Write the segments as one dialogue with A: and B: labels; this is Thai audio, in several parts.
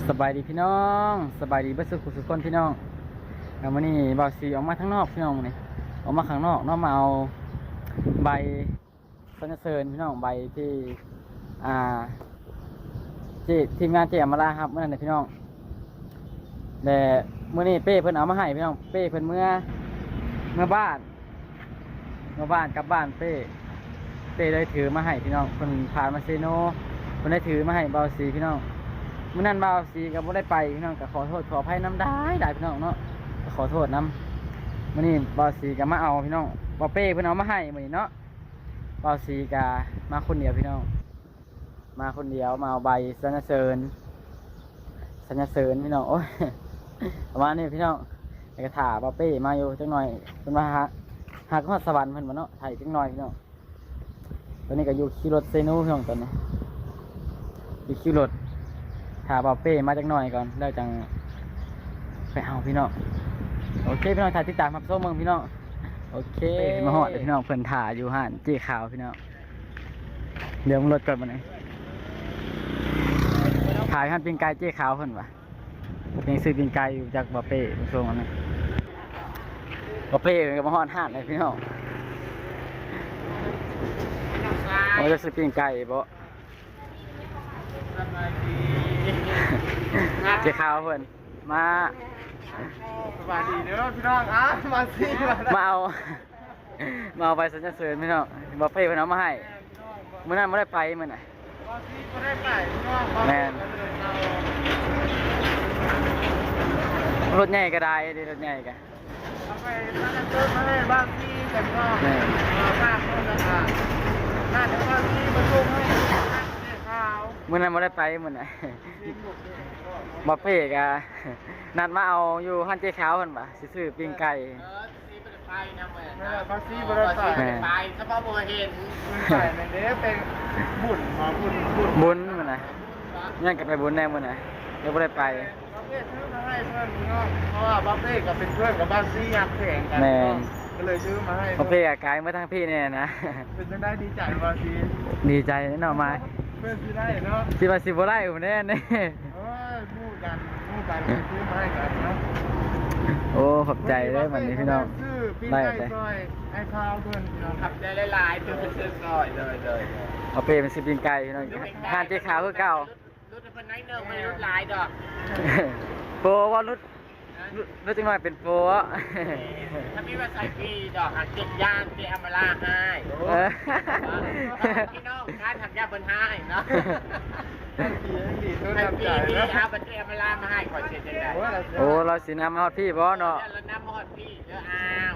A: สบายดีพี่น้องสบายดีเพื่อสุขคนพี่น้องแล้ววันนี้บ่าวสีออกมาทั้งนอกพี่น้องนี่ออกมาข้างนอกน้องมาเอาใบสรรเสริญพี่น้องใบที่ทีมงานเจมาลาครับเมื่อนั้นพี่น้องแต่เมื่อนี้เป้เพิ่นเอามาให้พี่น้องเป้เพิ่นเมื่อบ้านกลับบ้านเป้ได้ถือมาให้พี่น้องเพิ่นผ่านมาเซโนเพิ่นได้ถือมาให้บ่าวสีพี่น้องเมื่อนั้นบ่าวสีก็บ่ได้ไปพี่น้องก็ขอโทษขออภัยน้ำได้พี่น้องเนาะขอโทษน้ำมื่อนี้บ่าวสีก็มาเอาพี่น้องบ่าวเป้เพิ่นเอามาให้มื่อนี้เนาะบ่าวสีก็มาคนเดียวพี่น้องมาคนเดียวมาเอาใบสรรเสริญพี่น้องโอ้ยประมาณนี้พี่น้องแล้วก็ถ่าบ่าวเป้มาอยู่จังหน่อยเพิ่นมาหาก็สวรรค์เพิ่นบ่เนาะถ่ายจังหน่อยพี่น้องตอนนี้ก็อยู่ขี่รถเซโนพี่น้องตอนนี้อยู่ขี่รถถ่าบ่าวเป้มาจังหน่อยก่อนแล้วจังไปเอาพี่น้องโอเคพี่น้องถ่ายติดตามครับโซ่เมืองพี่น้องโอเคมาหอดพี่น้องเพิ่นถ่าอยู่ห้านเจ๊ขาวพี่น้องเดี๋ยวมึงรถก่อนมาหน่อยถ่ายห้านปิ้งไก่เจ๊ขาวเพิ่นวะยังซื้อปิ้งไก่อยู่จากบ่าวเป้โซ่มันนะบ่าวเป้ก็มาหอดห้านเลยพี่น้องเราจะซื้อปิ้งไก่บ่เจ๊ขาวเพิ่นมา
B: สวัสดีเด้อพี่น้องมาสิ
A: มาเอาใบสรรเสริญพี่น้องบ่าวเป้เพิ่นเอามาให้มื้อนั้นบ่ได้ไปมื้อน่ะ
B: มาสิบ่ได้ไปพี่น้อง
A: แม่นรถใหญ่ก็ได้ดิรถใหญ่ก็
B: เอาไปนั่นเติมมาให้บางทีกันก็ฝากคนละค่ะน่าจะบางทีมาส่งให้ข้าว
A: มื้อนั้นบ่ได้ไปมื้อน่ะบ่าวเป้ก็นัดมาเอาอยู่ห้านเจ๊ขาวเพิ่นบ่สิซื้อปิ้งไก่
B: ไปนะเหมือนบางทีบ่ได้ไปถ้าบ่บ่เห็นไปนั่นเด้เป็นบุญ
A: บุญมื้อน่ะยังก็ไปบุญแน่มื้อน่ะเดี๋ยวบ่ได้ไป
B: บัฟเฟ่ซื้อมาให้เพื่อนพี่น้องเพราะว่าบัฟเฟ่ก็เป็นเพื่อนกับบางซีอยากแข่งกันก็เลยซื้อมาให้
A: บัฟเฟ่กายมาทั้งพี่เนี่ยนะ
B: เป็นจังได้ดีใจบางซี
A: ดีใจแน่นอนมา
B: เพื่อนซื้อได้เนาะ
A: สิว่าสิบ่ได้ผมแน่นี่
B: พูดกันซื้อมาให้กันเนาะ
A: โอ้ขอบใจเลยวันนี้พี่น้อง
B: ได้เลยไอ้ข้าวเพื่อนพี่น้องขับได้หลายๆซื้อซอยเลย
A: เอาเป้เป็นสิปิ้งไก่พี่น้องทานเจ๊ขาวคือเก่าร
B: ถเป็นไนเนอร์ไม่รถหลายดอก
A: โปว่ารถจังหน่อยเป็นโป
B: ถ้าพี่ว่าใส่พี่ดอกหักเจ็ดย่างเจ๊อมาล่าให้พี่น้องการทำยาบนให้เนาะให้พี่เอาบัตรเจ๊อมาล่ามาให้ขอเช็ดจังได้
A: โอ้เราสิน้ำมาฮอดพี่บ่เนาะ
B: เราน้ำมาฮอดพี่เด้อ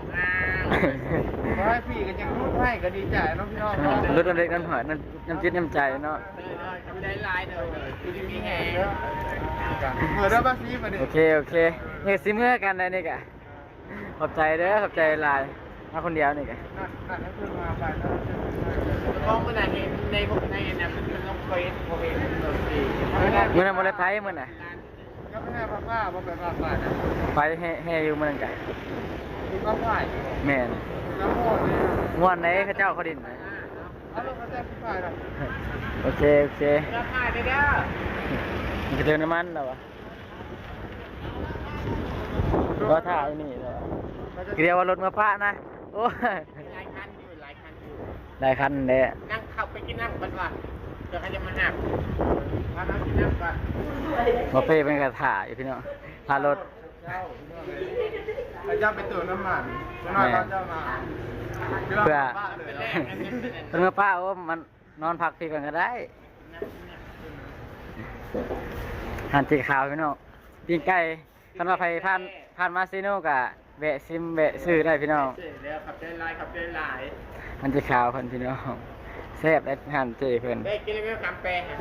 B: ให้พี่กันยังรูดให้ก็ดีใจน้องพี่น้อง
A: รถเล็กน้ำหอยน้ำจิตน้ำใจเนาะ
B: ได้ลายเลยคือมีแหงเหมือนเราบ้าซีมาดิ
A: โอเคเนี่ยซิเมื่อกันเลยนี่กะขอบใจเด้อขอบใจลายมาคนเดียวนี่กะ
B: นั่นคือมาไปแล้วมองมันในพวกในนั้นมันต้องเฟซโอเค
A: เมื่อนั้นบ่ได้ไปเมื่อน่ะ
B: ก็ไม่ให้ป้าบ่ไปป้านะ
A: ไปแห่อยู่เมื่อนั้นกะ
B: คือก็ฝ่าย
A: แม่น
B: น้ำโมด
A: ม่วนไหนเขาเจ้าเขาดินนะโอเค
B: ราคาได้เด้อ
A: มันจะเติมน้ำมันแล้ววะก็ถ่ายนี่แล้วเรียกว่ารถมาพระนะโอ้
B: หลายคันอยู่
A: หลายคันเลย
B: นั่งขับไปกินน้ำกันว่ะเดี๋ยวเขาจะมาหักพาน้ำกินน้ำกัน
A: มาเป้เป็นกระถ่ายพี่น้องพารถ
B: เจ้าไปตื่นน้ำมันเจ้ามา
A: เพื่อเป็นมาป้าโอ้มันนอนพักพี่ก่อนก็ได้หันจีขาวพี่น้องปิ้งไก่คันว่าไปผ่านมาซีโน่กะแบะซิมแบะซื้อได้พี่น้อง
B: ขับได้หลาย
A: หันจีขาวเพิ่นพี่น้องแซ่บได้หันจีเพิ่น
B: ได้กินไม่คำแปง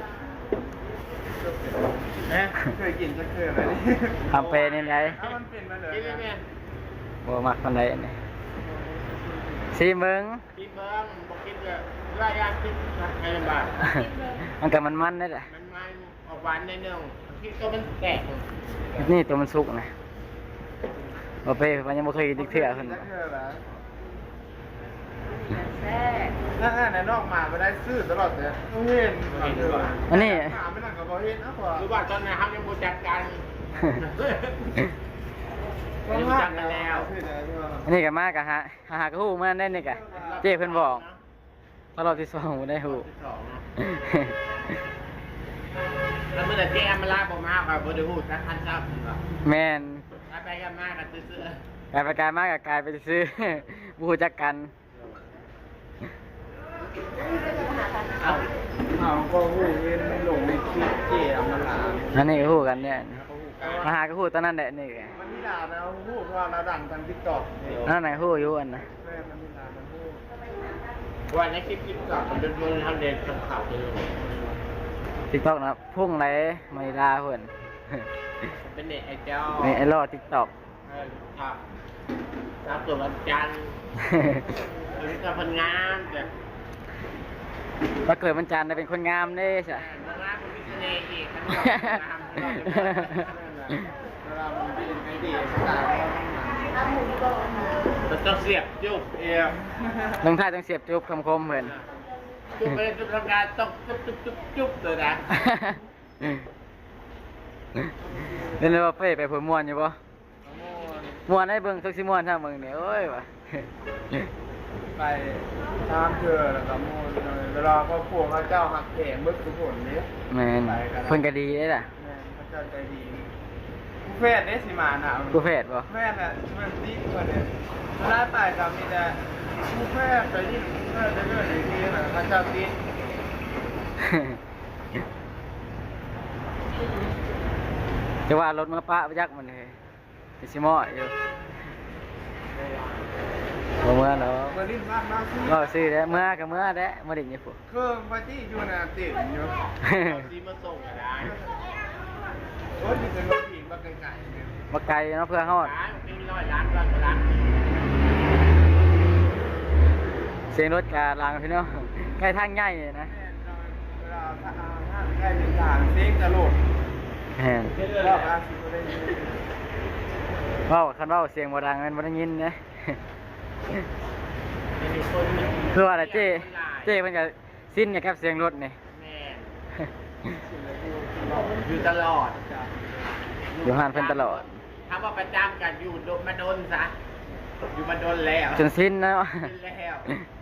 B: เคยกินจะเคยไหม
A: คำแปงนี่ไง
B: มันเป็นมาเลย
A: บ่มักคนใดนี่ซีเมือง
B: บอกกินเลยรายการกินในลำบาก
A: มันกับมันนี่แหละ
B: มันออกหวานในเนื้อที่ตัวมันแตก
A: นี่ตัวมันสุกนะบ่เป้มันยังบ่เคยกินติ๊กเถื่อเพิ่น
B: แม่นั่นในนอกมาไม่ได้ซื้อตลอดเลยเห็น
A: อันนี้
B: ถามไม่นั่งกับพอเห็นนะพอรู้ว่าตอนนี้ครับยังบูจัดการยังจัดกันแล้ว
A: อันนี้ก็มากกะฮะหากระหูมาได้นี่กะเจ้เพิ่นบอกตลอดที่2บ่ได้หู
B: แล้วเมื่อแต่เจ๊มาลาผมมาแบบบริหูสักพันครับ
A: แม่น
B: ไปกันมากกันซื้อก
A: ลายไปกลายมากกับกลายไปซื้อ บ่ฮู้จักกัน
B: เอาก็หูเห็นหลงในคลิปเจ๊มาลา
A: อันนี้ก็ฮู้กันเนี่ยมาหากระหูตอนนั้นแหละนี่ไง
B: มันนี่ด่านะหูเพราะว่าเราดังทางทิกตอก
A: นั่นไหนฮู้อยู่อันนะ
B: แม่มันนี่ด่ามันหูวันนี้คลิปทิกตอกมันเป็นทำเด่นทำข่าวเลย
A: TikTok นะพุ่งไหลไม่ลาเพิ่น
B: เป็นเน็ตไอเจ้า
A: นี่ไอ้รอ TikTok
B: ครับครับส่วนวันจันทร์ตัวนี้ก็พันงานแต่
A: ว่าเกิดวันจันทร์ได้เป็นคนงามเด้ใช่
B: เวลาคุณมีเสน่ห์อีกมันก็งามเวลามันเป็นไอเดียสายมันต้องเสียบจุ๊บเอว
A: ลงท้ายต้องเสียบจุ๊บคำคมเพิ่น
B: จุ๊บไปจุ๊บทำงานต้องจุ๊บจุ๊บจุ๊บจุ๊บเลยนะ
A: เล่นเลยว่าเป้ไปผลม่วนอยู่บ่ม่วนให้เบิ่งทุกสิม่วนถ้าเบิ่งนี่โอ้ยว่ะ
B: ไปตามเธอแล้วก็มูลเวลาครอบครัวพระเจ้าหักแขงเบิกทุกคนนี้
A: แม่นเพิ่นก็ดีเด้ล่ะ
B: แม่พระเจ้าใจดีผู้แพทย์ได้สิมาหนาว
A: ผู้แพทย์บ่
B: แพทย์น่ะมันดีกว่าเนี่ยถ้าตายกับมีแต่ผู้แพทย์ไปยิ่งแพทย์เรื่อยๆอย่างนี้นะพระเจ้าตี
A: จะว่ารถมาปะไปยักมันเลยสิมออยู่บ่เมื่อเนาะ
B: เมื่อลิ้นบ้านมาซื้อ
A: ก็ซื้อแล้วเมื่อก็เมื่อแล้วมาดิ่งนี่พุ่น
B: เครื่องพระจี้อยู่น่ะติดอยู่ที่มาส่งก็ได้โอ้ยนี่เป็นรถผีมาไกลๆเนี่ย
A: บ่ไกลเนาะเพื่อฮอด
B: เป็น100 ล้าน
A: เสียงรถกาลางพี่น้องใกล้ทางใหญ่เลยนะ
B: เวลาถ้าใกล้ถึงทางเซ็งจะโหลด
A: แม่น
B: รอบอาสิบได้ยิน
A: เว้าคันเว้าเสียงบ่ดังมันบ่ได้ยินนะ คือว่าอะไรเจ้เพิ่นก็สิ้นกับเสียงรถนี่
B: แม่อยู่ตลอด
A: อยู่ห้านเพิ่นตลอด
B: ถ้าว่าประจำกันอยู่มาโดนซะอยู่มาโดนแล้ว
A: จนสิ้นแล้ว
B: เป็นแล้ว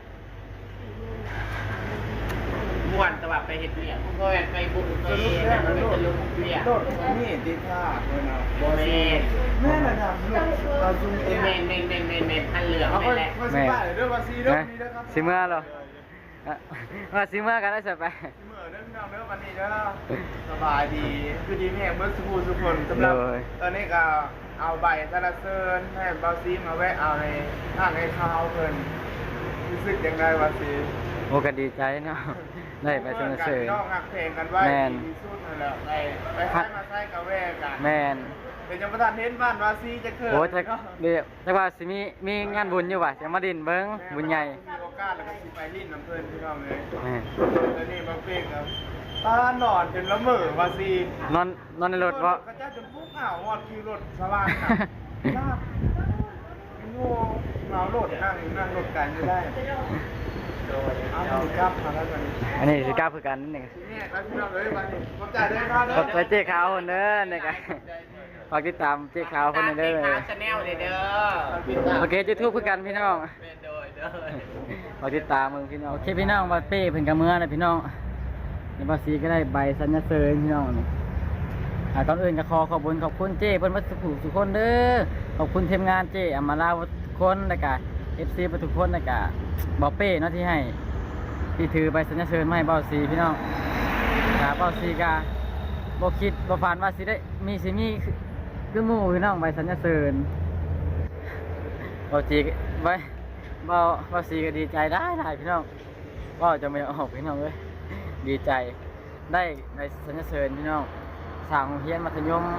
B: ม่วนแต่ว่าไปเฮ็ดเนี่ยก็ไปบุกไปมันไม่จะลุกเนี่ยโดดนี่ติดท่าเลยนะบ่แม่แม่น่ะทำลูกเอาจุงแม่พันเหลืองแม่แหละ
A: แม่
B: เด้อว่าซีเด้อมีเด้อครับ
A: สิเมื่อเหรอว่าสิเมื่อกันได้สิไป
B: เมื่อเด้อพี่น้องเด้อวันนี้เด้อสบายดีคือดีแม่เบิดสุขคนสำหรับตอนนี้ก็เอาใบสะระเซินให้เบาซีมาแวะเอาในทางให้ข้าวเพิ่นรู้สึกยังไงวะซี
A: โอ้ก็ดีใจเนาะได้ไปสนับสนุน
B: น้องหักเพลงกันไว้
A: แม่น
B: ดีสุดนั่นแหละไปใช้มาใช้กับแวกัน
A: แม่น
B: เป็นยังประธานเห็นบ้านวาซีจะเกิด
A: โอ้จะเดี๋ยวจะว่าสิมีงานบุญอยู่ว่ะจะมาดินเบิ่งบุญใหญ่
B: มีโอกาสแล้วก็สิไปลิ้นน้ำเพิ่นพี่น้องเลย
A: แม่น
B: แล้วนี่มาเพลงครับตาหนอนจนละเมอวาซี
A: นอนในรถบ่
B: กระจ้าจนปุ๊บอ้าวหอดคิวรถสว่างน่ะลากโง่เหมารถนั่งรถกันไม่ได้เอาหนึ่งกับมาแล้วกัน
A: อันนี้สิกล้าคือกันนี่
B: เนี่ยครับพี่น้องเลยวันนี้ผมจ่ายได้ค่าเด้อ
A: ขอบใจเจ๊ขาวคนเด้อนี่ก็ฝากติดตามเจ๊ขาวคนนี้เด้อเลย
B: ชาแนลเด้อ
A: โอเค YouTube คือกันพี่น้อง
B: เป็นโดยเด้อ
A: ฝากติดตามมึงพี่น้องโอเคพี่น้องว่าเป้เพิ่นก็เมื่อนะพี่น้องในภาษีก็ได้ใบสัญญาเซิงพี่น้องนี่ก่อนอื่นก็ขอบคุณเจ้เพิ่นวัดสุขคนเด้อขอบคุณทีมงานเจ้อมาลาทุกคนแล้วก็ FC ทุกคนแล้วก็บ่เป้เนาะที่ให้ที่ถือใบสัญญาเซิงมาให้เบาสีพี่น้องเบาสีก็บ่คิดบ่ฝันว่าสิได้มีคือหมู่พี่น้องใบสัญญาเซิงเบาสีใบเบาสีก็ดีใจได้พี่น้องก็จะไม่ออกพี่น้องเอ้ยดีใจได้ใบสัญญาเซิงพี่น้องสร้างโรงเรียนมัธยม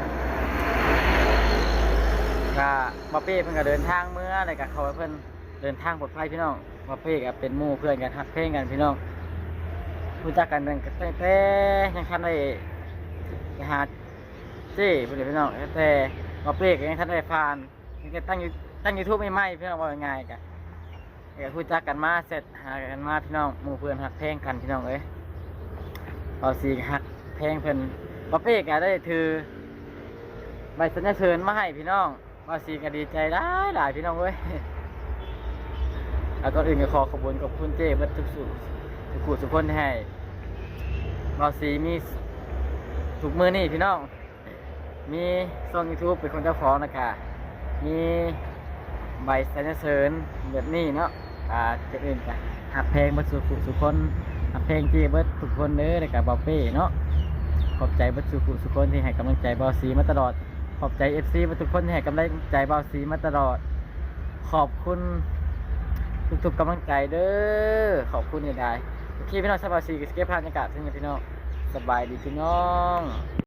A: ก็บ่เป้เพิ่นก็เดินทางเมื่อแล้วก็เขาเพิ่นเดินทางปลอดภัยพี่น้องบ่เป้ก็เป็นหมู่เพื่อนกันฮักเพลงกันพี่น้องรู้จักกันตั้งแต่ยังทันได้ไปหาเจ้เพิ่นเลยพี่น้องแต่บ่เป้ก็ยังทันได้ผ่านยังตั้ง YouTube ใหม่ๆพี่น้องว่าง่ายๆก็ก็คุยจักกันมาเสร็จหากันมาพี่น้องหมู่เพื่อนหักแพงกันพี่น้องเอ้ยเอาสีหักแพงเพิ่นบ่เป้ก็ได้ถือใบสัญญาเชิญมาให้พี่น้องว่าสีก็ดีใจหลายพี่น้องเอ้ยแล้วก็อื่นก็ขอขอบคุณเจ้เบิดทุกสู่ทุกคู่ทุกคนที่ให้ว่าสีมีทุกมือนี่พี่น้องมีช่อง YouTube เป็นคนเจ้าของนะคะมีใบสัญญาเชิญแบบนี้เนาะจะอื่นกันหักเพลงเบิดสุคนหักเพลงที่เบิดทุกคนเด้อในกับบอเป้เนาะขอบใจเบิดสุคนที่ให้กำลังใจบอสีมาตลอดขอบใจ FC เบิดทุกคนที่ให้กำลังใจบอสีมาตลอดขอบคุณทุกกำลังใจเด้อขอบคุณใหญ่ๆโอเคพี่น้องสบายสีกับสเก็ตภาพบรรยากาศที่นี่พี่น้องสบายดีพี่น้อง